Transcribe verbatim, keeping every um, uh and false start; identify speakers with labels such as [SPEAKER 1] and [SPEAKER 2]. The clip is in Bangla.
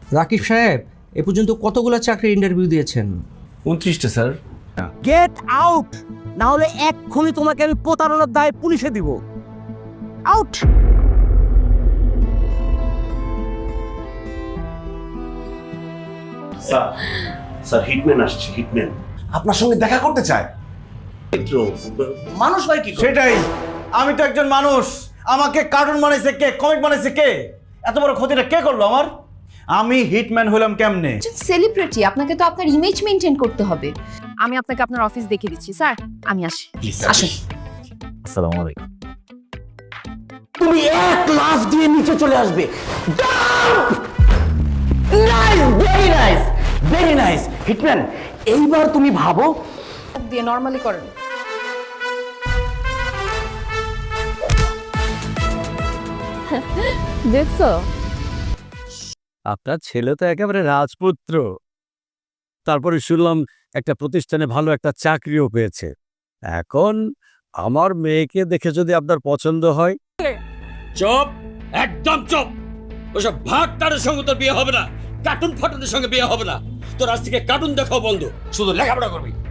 [SPEAKER 1] রাকিব সাহেব এ পর্যন্ত কতগুলো চাকরির ইন্টারভিউ দিয়েছেন?
[SPEAKER 2] উনত্রিশটা স্যার।
[SPEAKER 3] গেট আউট, না হলে এক্ষুনি তোমাকে আমি প্রতারণার দায়ে পুলিশে দিব। আউট।
[SPEAKER 4] স্যার স্যার হিটম্যান আসছে, হিটম্যান
[SPEAKER 2] আপনার সঙ্গে দেখা করতে চায়।
[SPEAKER 4] মানুষ হয় কি করে?
[SPEAKER 2] সেটাই, আমি তো একজন মানুষ। আমাকে কার্টুন বানাইছে কে, কমিক বানাইছে কে? এত বড় ক্ষতিটা কে করলো আমার? আমি হিটম্যান হলাম কেমনে?
[SPEAKER 5] সেলিব্রিটি, আপনাকে তো আপনার ইমেজ মেইনটেইন করতে হবে।
[SPEAKER 6] আমি আপনাকে আপনার অফিস দেখিয়ে দিচ্ছি স্যার, আমি আসি।
[SPEAKER 5] আসুন।
[SPEAKER 3] আসসালামু আলাইকুম। তুমি এক লাফ দিয়ে নিচে চলে আসবে। Nice, very nice, very nice. Hitman, এইবার তুমি ভাবো।
[SPEAKER 5] দিয়ে নরমালি করেন।
[SPEAKER 6] দেখছো,
[SPEAKER 7] আপনার ছেলে তো একেবারে রাজপুত্র। তারপরে শুনলাম একটা প্রতিষ্ঠানে ভালো একটা চাকরিও পেয়েছে। এখন আমার মেয়েকে দেখে যদি আপনার পছন্দ হয়।
[SPEAKER 8] চুপ, একদম চুপ। ওসব ভাগটারের সঙ্গে তোর বিয়ে হবে না, কার্টুন ফাটুনের সঙ্গে বিয়ে হবে না। তোর আজ থেকে কার্টুন দেখাও বন্ধ, শুধু লেখাপড়া করবি।